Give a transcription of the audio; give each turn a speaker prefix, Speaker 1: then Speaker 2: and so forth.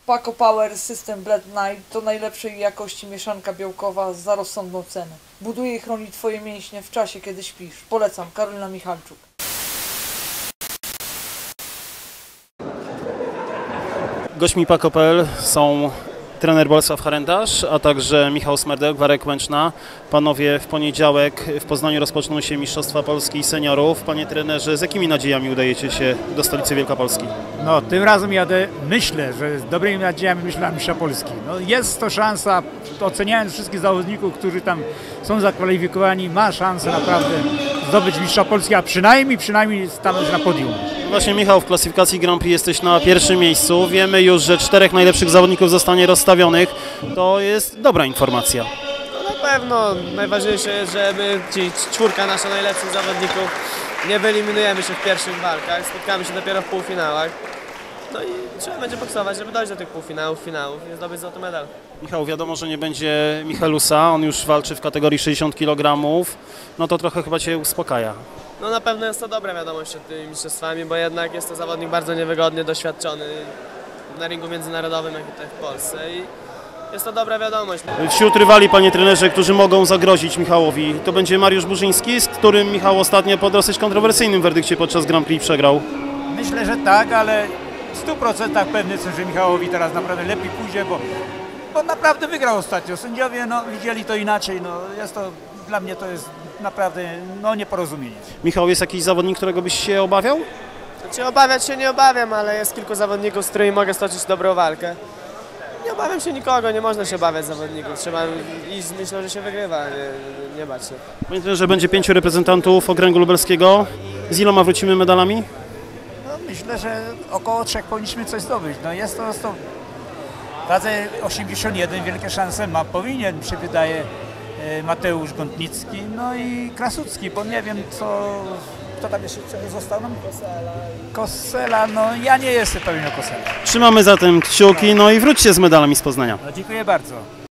Speaker 1: Paco Power System Blend Night to najlepszej jakości mieszanka białkowa za rozsądną cenę. Buduje i chroni Twoje mięśnie w czasie, kiedy śpisz. Polecam, Karolina Michalczuk.
Speaker 2: Gośćmi Paco.pl są trener Bolesław Harendasz, a także Michał Smerdek, Warek Łęczna. Panowie, w poniedziałek w Poznaniu rozpoczną się Mistrzostwa Polski Seniorów. Panie trenerze, z jakimi nadziejami udajecie się do stolicy Wielkopolski?
Speaker 3: No, tym razem jadę, myślę, że z dobrymi nadziejami myślę na Mistrza Polski. No, jest to szansa, oceniając wszystkich zawodników, którzy tam są zakwalifikowani, ma szansę naprawdę zdobyć Mistrza Polski, a przynajmniej stanąć na podium.
Speaker 2: Właśnie Michał, w klasyfikacji Grand Prix jesteś na pierwszym miejscu. Wiemy już, że 4 najlepszych zawodników zostanie rozstawionych. To jest dobra informacja.
Speaker 4: No na pewno najważniejsze jest, że my, ci czwórka nasza najlepszych zawodników, nie wyeliminujemy się w pierwszych walkach, spotkamy się dopiero w półfinałach. No i trzeba będzie boksować, żeby dojść do tych półfinałów, finałów i zdobyć złoty medal.
Speaker 2: Michał, wiadomo, że nie będzie Michelusa, on już walczy w kategorii 60 kg. No to trochę chyba Cię uspokaja.
Speaker 4: No na pewno jest to dobra wiadomość przed tymi mistrzostwami, bo jednak jest to zawodnik bardzo niewygodny, doświadczony na ringu międzynarodowym, jak i tutaj w Polsce i jest to dobra wiadomość.
Speaker 2: Wśród rywali, panie trenerze, którzy mogą zagrozić Michałowi, to będzie Mariusz Burzyński, z którym Michał ostatnio po dosyć kontrowersyjnym werdykcie podczas Grand Prix przegrał.
Speaker 3: Myślę, że tak, ale w 100% pewny jestem, że Michałowi teraz naprawdę lepiej pójdzie, bo naprawdę wygrał ostatnio. Sędziowie widzieli to inaczej, jest to, dla mnie to jest naprawdę nieporozumienie.
Speaker 2: Michał, jest jakiś zawodnik, którego byś się obawiał?
Speaker 4: Znaczy obawiać się nie obawiam, ale jest kilku zawodników, z którymi mogę stoczyć dobrą walkę. Nie obawiam się nikogo, nie można się obawiać zawodników, trzeba iść z myślą, że się wygrywa, nie bać się.
Speaker 2: Panie trenerze, będzie 5 reprezentantów okręgu lubelskiego. Z iloma wrócimy medalami?
Speaker 3: No, myślę, że około 3 powinniśmy coś zdobyć. No, jest to w wadze 81 wielkie szanse powinien, się wydaje, Mateusz Gątnicki, no i Krasucki, bo nie wiem kto tam jeszcze został nam? Kosela, no ja nie jestem pewien o Kosela.
Speaker 2: Trzymamy zatem kciuki, no i wróćcie z medalami z Poznania.
Speaker 3: No, dziękuję bardzo.